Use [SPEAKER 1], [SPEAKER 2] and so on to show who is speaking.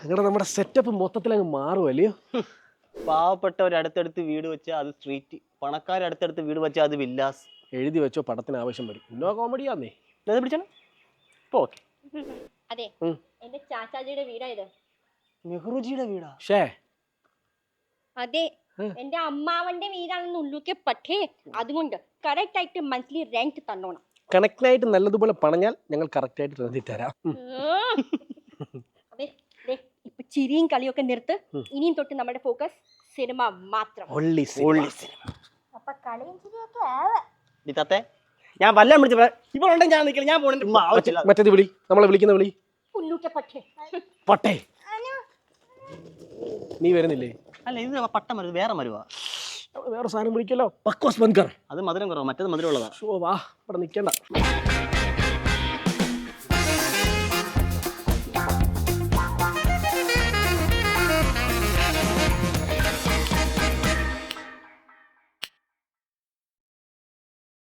[SPEAKER 1] അങ്ങനെ നമ്മുടെ സെറ്റപ്പ് മൊത്തത്തിൽ അങ്ങ് മാറുമല്ലയോ?
[SPEAKER 2] പാവപ്പെട്ടവർ അടുത്തടുത്ത് വീട് വെച്ചാൽ അത് സ്ട്രീറ്റ്, പണക്കാർ അടുത്തടുത്ത് വീട് വെച്ചാൽ അത് വില്ലാസ്.
[SPEAKER 1] എഴുതി വെച്ചോ, പടത്തിന് ആവശ്യം വരും. നോ കോമഡിയാന്നേ.
[SPEAKER 2] ഇത് പിടിച്ചാണ് ഇപ്പൊ ഓക്കെ.
[SPEAKER 3] അതെ, എന്റെ ചാച്ചാജിയുടെ വീടാ ഇത്.
[SPEAKER 2] നെഹ്റുജിയുടെ വീടാ?
[SPEAKER 1] ഷേ
[SPEAKER 3] അതെ, എന്റെ അമ്മാവന്റെ വീടാണെന്ന് ഉള്ളൂക്കെ. പക്ഷേ അതുകൊണ്ട് കറക്റ്റ് ആയിട്ട് മന്ത്ലി റെന്റ് തന്നോണം.
[SPEAKER 1] കണക്റ്റായിട്ട് നല്ലതുപോലെ പണഞ്ഞാൽ ഞങ്ങൾ കറക്റ്റായിട്ട് റെന്റി തരാം.
[SPEAKER 3] അതെ, ഇപ്പൊ ചിരിയും കളിയൊക്കെ നിർത്ത്. ഇനിയും തൊട്ട് നമ്മുടെ ഫോക്കസ് സിനിമ മാത്രം. അപ്പൊ കളിയും ചിരിയൊക്കെ ആവാ.
[SPEAKER 2] തത്തേ, ഞാൻ വല്ലതും വിളിച്ചു ഇവളുണ്ടെങ്കിൽ ഞാൻ നിൽക്കില്ല, ഞാൻ പോകണ്ട.
[SPEAKER 1] മറ്റേത് വിളി, നമ്മളെ വിളിക്കുന്ന വിളി.
[SPEAKER 3] ഉള്ളൂക്കെ പക്ഷേ
[SPEAKER 1] പട്ടേ, നീ വരുന്നില്ലേ?
[SPEAKER 2] അല്ല, ഇത് പട്ട മരുന്ന് വേറെ മരുവാ.
[SPEAKER 1] വേറെ സാധനം വിളിക്കല്ലോ. പക്വാസ് ബൻകർ.
[SPEAKER 2] അത് മധുരം കുറവാ, മറ്റേത് മധുരം ഉള്ളതാ.
[SPEAKER 1] വാ, ഇവിടെ നിൽക്കണ്ട.